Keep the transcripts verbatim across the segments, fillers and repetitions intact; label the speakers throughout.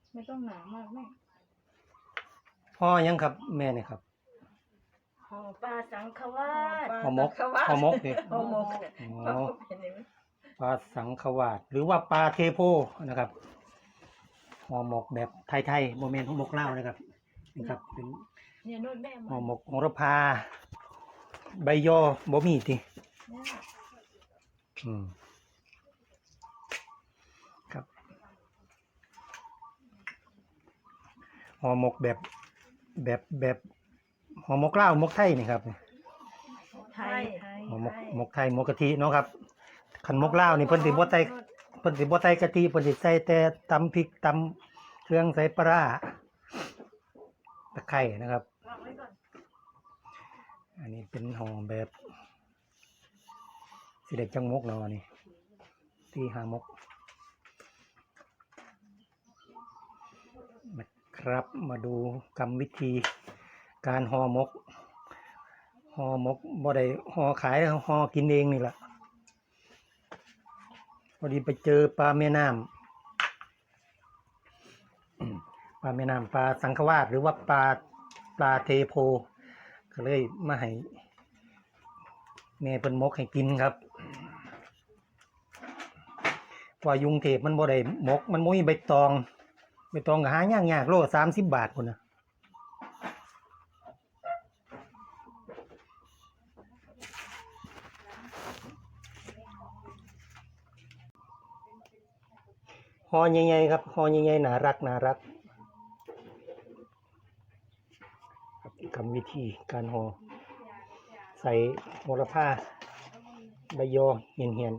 Speaker 1: ไม่ต้องหนามากแม่
Speaker 2: ห่อยังครับแม่นี่ครับ
Speaker 1: ห่อปลาสังขวาส
Speaker 2: ห่อหมกห่อหมกนี่
Speaker 1: ห่อหมก
Speaker 2: อ๋อปลาสังขวาสหรือว่าปลาเทโพนะครับห่อหมกแบบไทยๆโมเมนต์ห่อหมกลาวนะครับนี่ครับเป็น
Speaker 1: เนี่ยโน่นแม่
Speaker 2: ห่อหมกโหระพาใบยอบ่มีติอืมครับห่อหมกแบบแบบแบบห่อหมกลาวหมกไทยนี่ครับ
Speaker 1: ไทย
Speaker 2: ห่อหมกหมกไทยหมกกะทิเนาะครับขันหมกลาวนี่เพิ่นสิบ่ใส่เพิ่นสิบ่ใส่กะทิเพิ่นสิใส่แต่ตำพริกตำเครื่องใส่ปลาร้าตะไคร้นะครับอันนี้เป็นห่อแบบสิเด็กจังมกเนาะนี่ที่หามกนะครับมาดูกรรมวิธีการห่อหมกห่อหมกบ่ได้ห่อขายห่อกินเองนี่แหละพอดีไปเจอปลาแม่น้ำปลาแม่น้ำปลาสังขวาสหรือว่าปลาปลาเทโพก็เลยมาให้แม่เพิ่นมกให้กินครับว่ายุงเทพมันบ่ได้มกมันมุ้ยใบตองใบตองก็หายากยากโลสามสิบบาทคนนะห่อใหญ่ๆครับห่อใหญ่ๆน่ารักน่ารักกรรมวิธีการห่อใส่โหระพาใบยอเหี่ยนเหี่ยน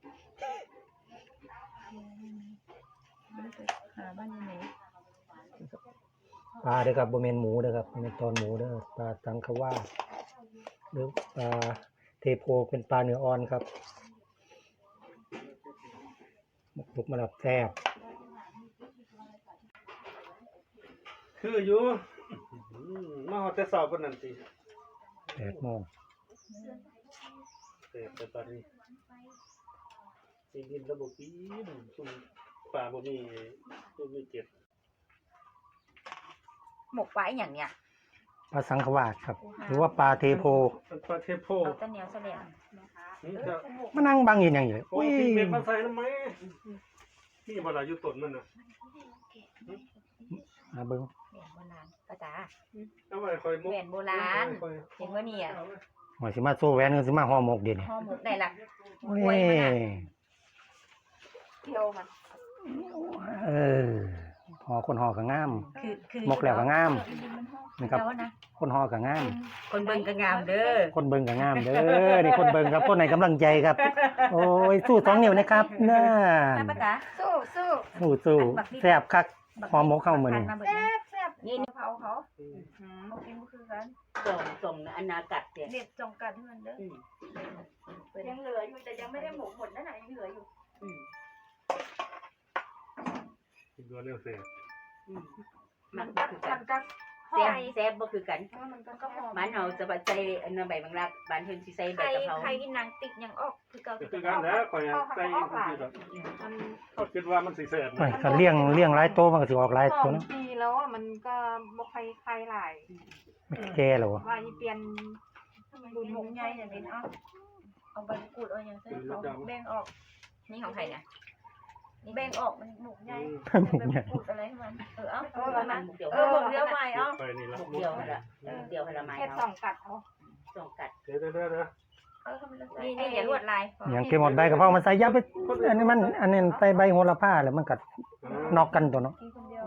Speaker 2: ปลาเด้อครับบ่แม่นหมูเด้อครับบ่แม่นตอนหมูเด้อปลาสังขวาสหรือปลาเทโพเป็นปลาเนื้ออ่อนครับหมกลุกมาแล้วแซ่บ
Speaker 3: คืออยู่มาฮอดแต่เช้าปานนั้นติ
Speaker 2: แปดโมง
Speaker 3: เสร็จแต่ตอนนี้สิกินระบบปีนซุ่มปลาบ่มีบ่มีเก็บ
Speaker 1: หมกไว้อย่างเนี้ย
Speaker 2: ปลาสังขวาสครับหรือว่าปลาเทโพ
Speaker 3: ปลาเทโพ
Speaker 1: ตะเหนียวเสลียง
Speaker 2: มานั่งบังอยู่อย่างนี้
Speaker 3: โอ้ยเม็ดมาใส่ทำไมนี่บ่ล่ะอยู่ต้นมันน่ะ
Speaker 2: มาเบิ่ง
Speaker 1: แหวนโบราณป้าจ๋า
Speaker 3: เอาไว้ค่อยมุก
Speaker 1: แหวนโบราณเห็นว่านี่อ่ะ
Speaker 2: หอยสิมาโซแหวนสิมาห่อหมกเดี๋ยวนี้
Speaker 1: ห่อหมกได้ละ
Speaker 2: โอ้ย
Speaker 1: เที่ยวมัน
Speaker 2: เออห่อคนห่อก็งาม
Speaker 1: คือคือ
Speaker 2: หมกแล้วก็งามนี่ครับคนห่อก็งาม
Speaker 1: คนเบิ่งก็งามเด้อ
Speaker 2: คนเบิ่งก็งามเด้อนี่คนเบิ่งครับคนให้กำลังใจครับโอ้ยสู้สองนิ้วนะครับน่า
Speaker 1: ป้าจ๋าสู้สู้
Speaker 2: สู้สู้แซ่บคักห่อหมกเข้ามื้อนี้
Speaker 1: แซ่บแซ่บนี่เผาเขาอืมบ่กินบ่คือกัน
Speaker 4: ส่งส่งอนากัดเนี่ย
Speaker 1: เด็ดจงกัดให้มันเด้อยังเหลืออยู่แต่ยังไม่ได้หมกหมดนั่นน่ะยังเหลืออยู่อืม
Speaker 3: กินตัวเร็วเสร็จ
Speaker 1: มันกัดมันกัด
Speaker 4: แซ่บแซ่บบ่คือกัน
Speaker 1: มันก็หอม
Speaker 4: มันเอาจะใส่อันนั้นใบบางรักบานเพิ่นสิใส่ใบกะเพรา
Speaker 1: ใครกินนางติดยังออกคือเก่า
Speaker 3: คือกันแล้วข่อยใส่คือแบบคิดว่ามันสิแซ่บ
Speaker 2: ก็เลี้ยงเลี้ยงหลายโตมันก็สิออกหลายตัวเนาะ
Speaker 1: ปีแล้วอ่ะมันก็บ่ใครใครหลาย
Speaker 2: ไม่แก่แล้ว
Speaker 1: ว่าอีเปลี่ยนดูหมกใหญ่อย่างนี้เนาะเอาใบกูดเอาอย่างเช่นเอาแบ่งออกนี่ของใครเนี่ยนี่แบ่งออกมันหมกใหญ่กูดอะไรให้มันเออเอาเออมันเออหมกเดียวใหม่เอา
Speaker 3: ไปนี่ละ
Speaker 4: หมกเดียวหั่นล่ะเดียวให้ละไม้
Speaker 1: แค่สองกัดเอา
Speaker 4: สองกัด
Speaker 3: เดี๋ยวๆ
Speaker 1: ๆนี่นี่อย่าลวดลาย
Speaker 2: อย่างเก็บหมดใบกะเพรามันใส่ยับไปอันนี้มันอันนี้ใส่ใบโหระพาแล้วมันก็นอกกันตัวเนาะ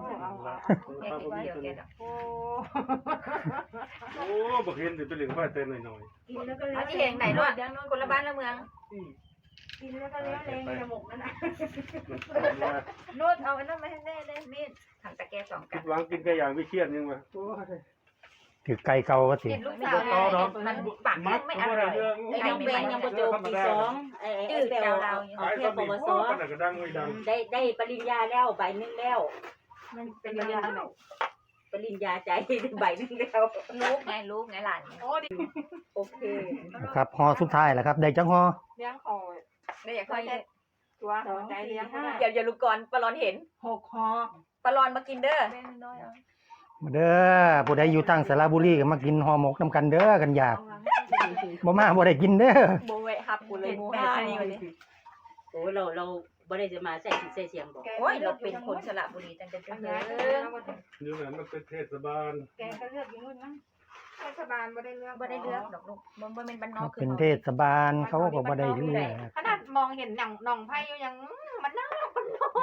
Speaker 3: โอ้บ่เห็นสิเป็นเรื่องว่าแต่น้อย
Speaker 1: ๆกินแล้วก็เลี้ยงที่เห็นไหนลวดคนละบ้านละเมืองกินแล้วก็เลี้ยงเองในหมกนั่นน่ะนวดเอาอันนั้นมาให้แน่ได้มีดทำตะแกรงสองกัด
Speaker 3: หวังกินไก่ย่างไม่เครียดยังวะโอ้ย
Speaker 2: ถือไก่เก่าก็สิ
Speaker 1: ลูกสาวมันปากไม่อร่อย
Speaker 4: ไอ้น้องเบนยังบ่จบปีสองไอ้ไอ้แปลวเราเอาแค่ปวสได้ได้ปริญญาแล้วใบนึงแล้ว
Speaker 1: มันเป็นปริญญา
Speaker 4: ปริญญาใจใบนึงแล้ว
Speaker 1: ลูกไงลูกไงหลานโอ้ดิ
Speaker 4: โอเค
Speaker 2: ครับห่อสุดท้ายแล้วครับได้จังห่อ
Speaker 1: เลี้ยงคอได้อยากค่อยตัวใจเลี้ยง
Speaker 4: เดี๋ยวอย่าลูกก่อนปลาร้อนเห็น
Speaker 1: หกคอ
Speaker 4: ปลาร้อนมากินเด้อ
Speaker 1: แบ่งน้อยเอา
Speaker 2: มาเด้อผู้ใดอยู่ตั้งสระบุรีก็มากินห่อหมกนํกันเด้อกันอยากบ่มาบ่ได้กินเด้อ
Speaker 4: โบแวะฮับกูเลยโมห้านี่วันนี้โอ้เราเราบ่ได้จะมาใส่ใส่เสียงบอก
Speaker 1: โอ้ยเราเป็นคนสระบุรีตั้งแต่เด็ก
Speaker 3: นี่แหละมันเป็นเทศบาล
Speaker 1: แกก็เลือกอยู่นู่นนะเทศบาลบ่ได้เลือกบ่ได้เลือกดอกลูกบ่บ่แม่นบ้านนอ
Speaker 2: เขา
Speaker 1: กคือ
Speaker 2: เป็นเทศบาลเขาก็บ่ได้เลือก
Speaker 1: ขนาดมองเห็นหนังหนองไผ่อยู่ยังมันน่ามันนอก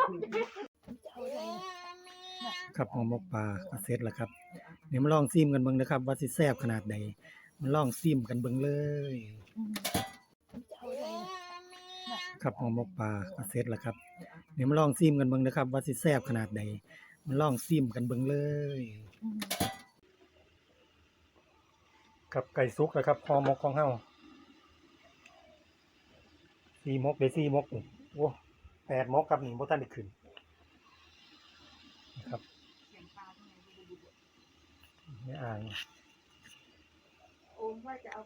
Speaker 2: ครับห่อหมกปลาก็เสร็จแล้วครับเดี๋ยวมาลองซิมกันเบิ่งนะครับ ว่าสิแซ่บขนาดใดมาลองซิมกันเบิ่งเลย ครับห่อหมกปลาก็เสร็จแล้วครับเดี๋ยวมาลองซิมกันเบิ่งนะครับ ว่าสิแซ่บขนาดใดมาลองซิมกันเบิ่งเลยครับไก่สุกแล้วครับห่อหมกของเฮาสี่หมกได้สี่หมกนี่โอ้แปดหมกครับนี่บ่ทันได้ขึ้นนะครับไม่อ่าน
Speaker 1: โอ้ว่าจะเอา